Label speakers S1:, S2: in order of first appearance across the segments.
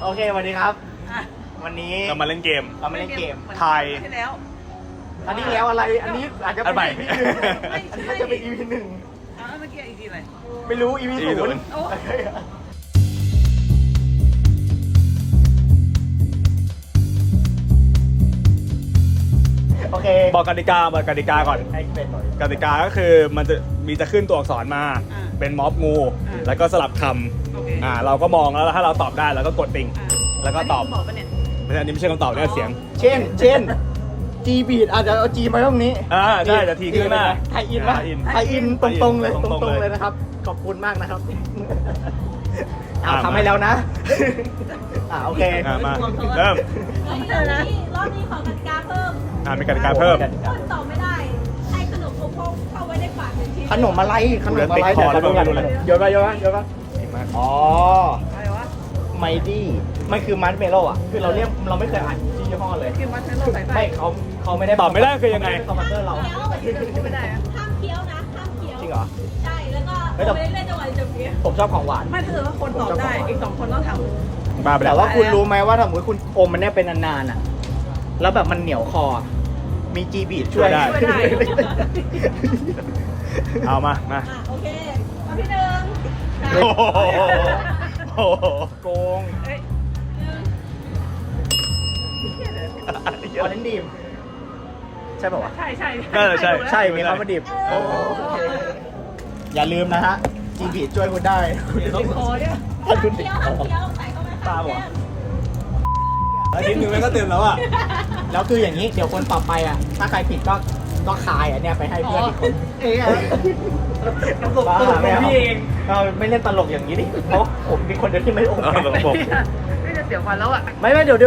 S1: โอเคสวัสดีครับวันนี้
S2: เรามาเล่นเกมทาย
S1: อันนี้แล้วอะไรอันนี้อาจจะเป็น EP หนึ่งอันนี้จะเป็น EP หนึ่ง
S3: เมื่อกี้ EP อะไร
S1: ไม่รู้ EP ศูนย์โอเค
S2: บอกกติกาก่อน
S1: ให้เป็นหน่อย
S2: กติกาก็คือมันจะขึ้นตัวอักษรมาเป็นม็อบงูแล้วก็สลับคำเราก็มองแล้วถ้าเราตอบได้เราก็กดติ่งแล้วก็ตอบอันนี้ไม่ใช่คำตอบนี่เสียง
S1: เช่น G beat อาจจะเอา G มาตรงนี้
S2: ใช่จะทีขึ้นหน้า
S1: ไทยอินป่ะไทยอินตรงๆเลยนะครับขอบคุณมากนะครับทำให้แล้วนะโอเค
S2: มาเริ่ม
S4: รอบนี้ขอกติกาเพิ่ม
S2: มีกติกาเพิ่ม
S4: คนตอบไม่ได้ให้ขนมโคโค่เข้าไว้ในปาก1 ชิ้น
S1: ขนมอะไรเดี๋ยวโยนไปอ๋อ
S3: อะไรวะ
S1: ไมดี้มันคือมัชเมโล่อะคือเราไม่เคยอ่านชื่อยี่ห้อเลย
S3: คือมัชเมลโล่ใส่
S1: ไม่เขาไม่ได้
S2: ตอบไม่ได้คือยังไง
S1: คอมพิวเตอร์เรา
S3: ไม่ได้
S4: ห้ามเคี้ยวนะห้ามเคี้ยว
S1: จริงเหรอ
S4: ใช่แล้วก็ไม่ได้เล่นจังหวะจะเคี้ยว
S1: ผมชอบของหวาน
S3: ไม่ถ้าเกิดว่าคนตอบได้อีก2 คนต้องทำ
S1: แต่ว่าคุณรู้ไหมว่าถ้าสมมติคุณอมมันเนี่ยเป็นนานๆอะแล้วแบบมันเหนียวคอมีจีบีช่วยได้
S2: เอามา
S4: โอเคข้อที่1
S1: โกงออเรนดีมใช่ป่าวะ
S3: ใช่
S1: ใช่มีคำว่าดิบอย่าลืมนะฮะจีบีช่วยคุณได้
S3: คอเนี่ย
S4: ห้ามเคี้ยวใส่เข้าไปค่ะ
S2: อาทิตย์นึงมันก็เต็มแล้วอ่ะ
S1: แล้วคืออย่างนี้เดี๋ยวคนต่อไปอ่ะถ้าใครผิดก็คายอ่ะเนี่ยไปให้เพื่อนอีกคน
S3: ตลกพี่เอง
S1: ไม่เล่นตลกอย่างนี้ดิเพราะผมเป็นคนเดียวที่ไม่โอเค
S3: ไม่จะเสียวันแล้วอ่ะ
S1: ไม่เดี๋ยว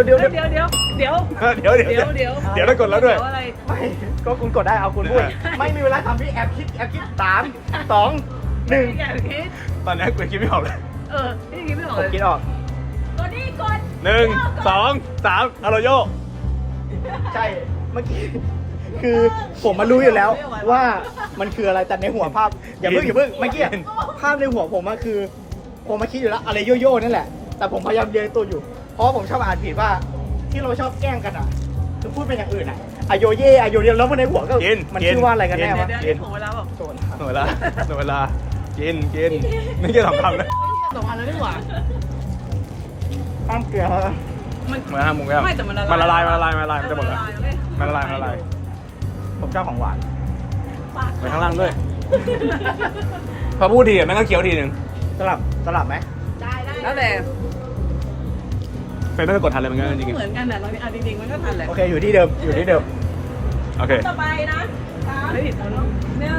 S2: ได้กดแล้วด้วย
S1: ไม่ก็คุณกดได้เอาคุณพูดไม่มีเวลาทำพี่แอบคิด3 2 1
S2: ตอนนี้กูคิดไม่ออกเลย
S3: นี่คิดไม่ออก
S1: ผมคิดออก
S4: กด1
S2: 2 3อาโรโย
S1: ใช่เมื่อกี้คือผมมารู้อยู่แล้วว่ามันคืออะไรแต่ในหัวภาพอย่าเพิ่งเมื่อกี้ภาพในหัวผมก็คือผมมาคิดอยู่แล้วอะไรโยโย่นั่นแหละแต่ผมพยายามเรียนตัวอยู่เพราะผมชอบอ่านผิดว่าที่เราชอบแกล้งกันอ่ะคือพูดเป็นอย่างอื่นอ่ะอโยเย่อโยเดียแล้วมันในหัวก็มันชื่อว่าอะไรกันแน่วะ
S3: กินของเวลาแบบ
S2: หน่วยเวลากินไม่ใช่2 คำนะ
S3: 2 อันแล้วดีกว่า
S1: ห้ามเกลือ
S2: มาห้ามมุงแล้วมันละลายมันจะหมดแล้วมันละลาย
S1: ผมชอบของหวาน
S2: ไปข้างล่างด้วยพอพูดทีมันก็เคี้ยวทีนึง
S1: สลับไหม
S4: ได้
S3: แล้วแต่
S2: เป็นไม่เคยกดทันเลยมันก็จริง
S3: เหมือนกันแต่เราจริงๆมันก็ทันแหละ
S1: โอเคอยู่ที่เดิม
S2: โอเค
S4: ต่อไปนะ3
S3: ไม่ผิดแล้วเนาะ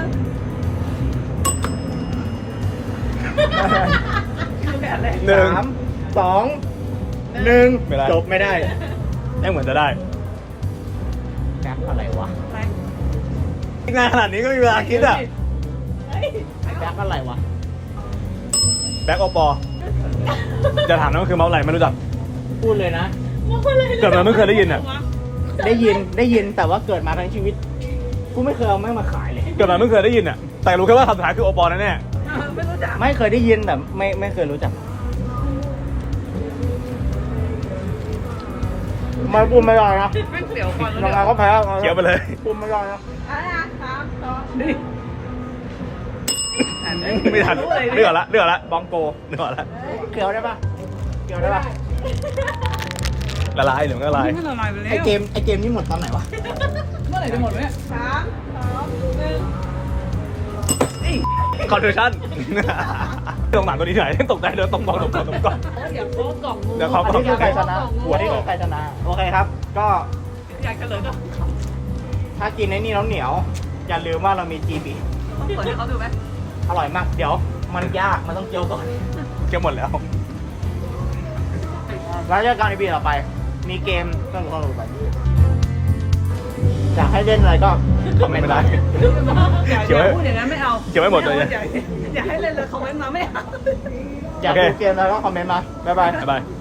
S1: 3 2 1จบไม่ได้
S2: เหมือนจะได้
S1: แบ็คอะไรวะ
S2: งานขนาดนี้ก็มีเวลาคิดอ่ะ
S1: แบ็คอะไรวะ
S2: แบ็คโอปอจะถามนั่นก็คือเมาส์อะไรไม่รู้จัก
S1: พูดเลยนะ
S2: เกิดมาไม่เคยได้ยินอ่ะ
S1: ได้ยินแต่ว่าเกิดมาทั้งชีวิตกูไม่เคยเอาแม่งมาขายเลย
S2: เกิดมาไม่เคยได้ยินอ่ะแต่รู้แค่ว่าคำสุดท้ายคือโอปอแน่
S3: ไม่รู้จัก
S1: ไม่เคยได้ยินแต่ไม่เคยรู้จักมาพูดไม่ได้นะ
S3: ไม่เสียวฟัน
S1: แล้วก็แพ้
S2: เคี้ยวไปเลย
S1: พูดไม่ได้นะ
S2: ไม่ทันเลือกละ
S1: บองโก
S2: เลือกละ
S1: เคี้ยวได้ปะ
S2: ละลายหรือไม่ละลาย
S1: ไอเกมนี่หมดตอนไหนวะ
S3: เมื่อไหร่จะหมดเนี่ย
S2: คอนเทนชั่นตรงหลังตัวนี้ไหนตกใจเลยต้องบอกก่อน
S3: เดี๋ยวเขากล่องงู
S1: เดี๋ยวเขาที่คือใครชนะหัวที่คือใครชนะโอเคครับก็
S3: อยากเฉลยก็
S1: ถ้ากินในนี่แล้วเหนียวอย่าลืมว่าเรามี GB
S3: ต้องเปิดให้เขาดูไหม
S1: อร่อยมากเดี๋ยวมันยากมันต้องเจียวก่อน
S2: เจียวหมดแล้ว
S1: แล้วเจอกันในปีต่อไปมีเกมต้องไปอยากให้เล่นอะไรก็คอมเมนต์ได้
S3: อย่าพูดอย่างนั้นไม่เอา
S2: เกี่ยวไม่หมดเลย
S3: อย่าให้เล่นเลยคอมเมนต์มาไม่เอา
S1: อยากดูเกมอะไรก็คอมเมนต์มาบ๊ายบาย